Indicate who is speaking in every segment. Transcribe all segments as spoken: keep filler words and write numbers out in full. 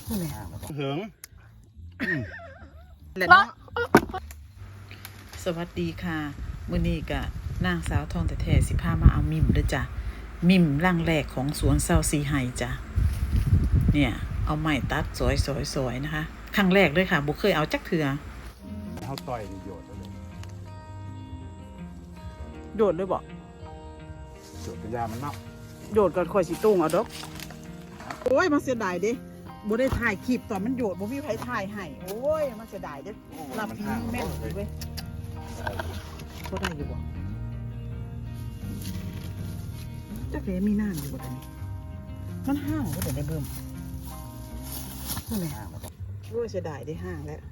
Speaker 1: เหิง
Speaker 2: สวัสดีค่ะมื้อนี้ก็นางสาวทองแต่แท้สิพามาเอามิมเด้อจ้ะมิมร่างแรกของสวนเซาซีไฮจ้ะเนี่ยเอาไม้ตัดสวยๆๆนะคะครั้งแรกเลยค่ะบ่เคยเอาจักเทื่อ
Speaker 1: เฮาต่อยโยดเลย
Speaker 2: โดดเลยบ่
Speaker 1: โยดกระยามันเนาะ
Speaker 2: โดดก่อนค่อยสิตุ้งเอาดอกโอ้ยมันเสียดายเด้บ่ได้ถ่ายคลิปตอนมันโยดบ่มีไผถ่ายให้โอ้ยมันเสียดายเด้รับพีแม่นเว้ยบ่ได้อยู่บ่จักแลมีน้ำอยู่บ่ตอนนี้มันห้างบ่ได้ได้เบิ่มนั่นแหละโอ้ยเสียดายได้ห้างแล้ว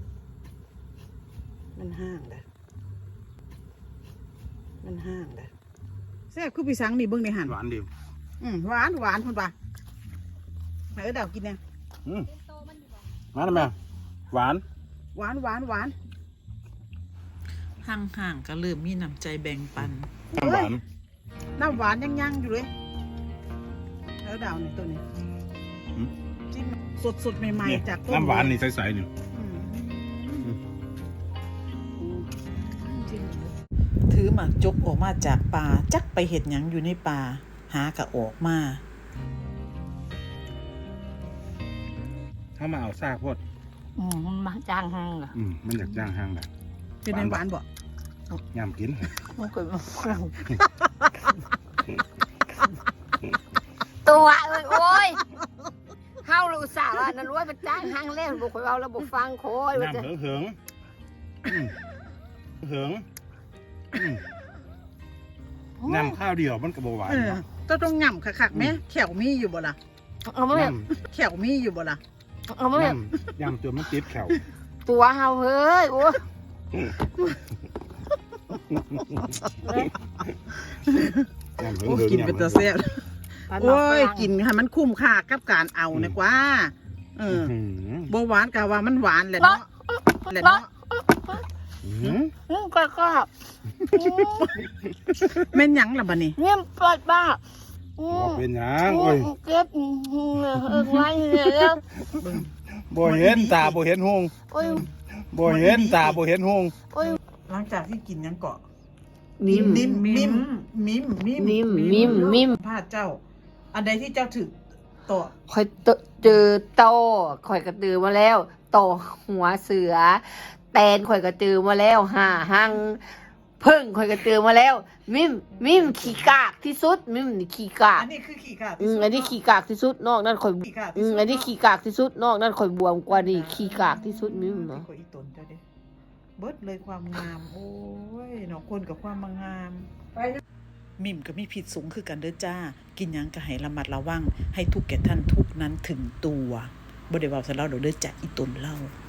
Speaker 2: มันห้างแล้วมันห้างแล้วแซ่บคือพี่สังนี่เบิ่งในหั่น
Speaker 1: หวานดิว
Speaker 2: อืมหวานหวานพุ่นป่ะไหนเออดาวกินเนี่ย
Speaker 1: อืมมาทำไมหวาน
Speaker 2: หวานหวานหวานห่างๆก็เริ่มมีน้ำใจแบ่งปัน
Speaker 1: น้ำหวาน
Speaker 2: น้ำหวานยังๆอยู่เลยเออดาวนี่ตัวนี้จิ้มสดๆใหม่ๆจากต้น
Speaker 1: น้ำหวานนี่ใสๆนี่
Speaker 2: ถือหมากจกออกมาจากป่าจักไปเห็ดหยังอยู่ในป่าหากะออกมา
Speaker 1: เข้ามาเอาซากพด
Speaker 3: อืมมันมาจ้างห้างเหรอ
Speaker 1: อืมมันอยากย่างห้างแบบ
Speaker 2: เป็นในหวานบ่
Speaker 1: ยำกิน
Speaker 3: มันเกิดมาฝรั่งตัวเอ้ยโอ้ยเฮาลูกสาวอ่ะนั่นรู้ว่าเป็นจ้างห้างเล่นบุกไปเอาแล้วบุกฟังโคยว่าจะ
Speaker 1: ยำเหิงเหิงเหิงยำข้าวเดียวมันกระโบหวาน
Speaker 2: เออต้องต้องง่ำคักๆไหมแขวมีอยู่บ่ล่ะ
Speaker 3: เอามาแบบ
Speaker 2: แขวมีอยู่บ่ล่ะ
Speaker 3: เอามาแบบ
Speaker 1: ยำตัวมันติดแขว
Speaker 3: ตัวเฮาเฮ้ยโอ้ย
Speaker 1: ยำเหิง
Speaker 2: โอ้
Speaker 1: เหิง
Speaker 2: กินเป็นตัวแซ่บโอ้ยกินให้มันคุ้มค่ากับการเอานะกว่าเออบ่หวานกะว่ามันหวานแหละเนาะแหละเนาะ
Speaker 1: อืม
Speaker 3: อืมก็ก็
Speaker 2: แม่นหยังล่ะบัดนี้
Speaker 3: เนี่ยปลอดบ้าอื
Speaker 1: บอก
Speaker 3: ม
Speaker 1: เป็นหยังโอ้ย
Speaker 3: เก็บอืมเออไว้เนี่ยแล้ว
Speaker 1: บ่เห็นตาบ่เห็นหง
Speaker 3: โอ้ย
Speaker 1: บ่เห็นตาบ่เห็นหง
Speaker 3: โอ้ย
Speaker 2: หลังจากที่กินหยังเกาะ
Speaker 3: มิม
Speaker 2: มิมมิมมิมมิม
Speaker 3: มิมมิมมิม
Speaker 2: พาเจ้า อันใดที่เจ้าถึกตัว
Speaker 3: คอยเจอโตคอยกระตือมาแล้วโตหัวเสือ แตนคอยกระตือมาแล้วห่าหังพึ่งคอยกระตือมาแล้ว มิมมิมขี้กากที่สุด มิมนี่ขี้กาก
Speaker 2: อันนี้คือขี้ขาด
Speaker 3: อืมอันนี้ขี้กากที่สุดนอกนั้นคอย
Speaker 2: ขี้ขาด
Speaker 3: อืมอันนี้ขี้กากที่สุดนอกนั้นคอยบวมกว่านี่ขี้กากที่สุดมิม
Speaker 2: เนาะ
Speaker 3: เนาะ
Speaker 2: อีตนเจ้าเด้เบิดเลยความงาม โอ้ยเนาะคนกับความงามมิมก็มีผิดสูงคือกันเด้อจ้า กินหยังก็ให้ระมัดระวังให้ทุกแก่ท่านทุกนั้นถึงตัวบ่ได้เว้าซะแล้วเด้อจ้ะอีตนเล่า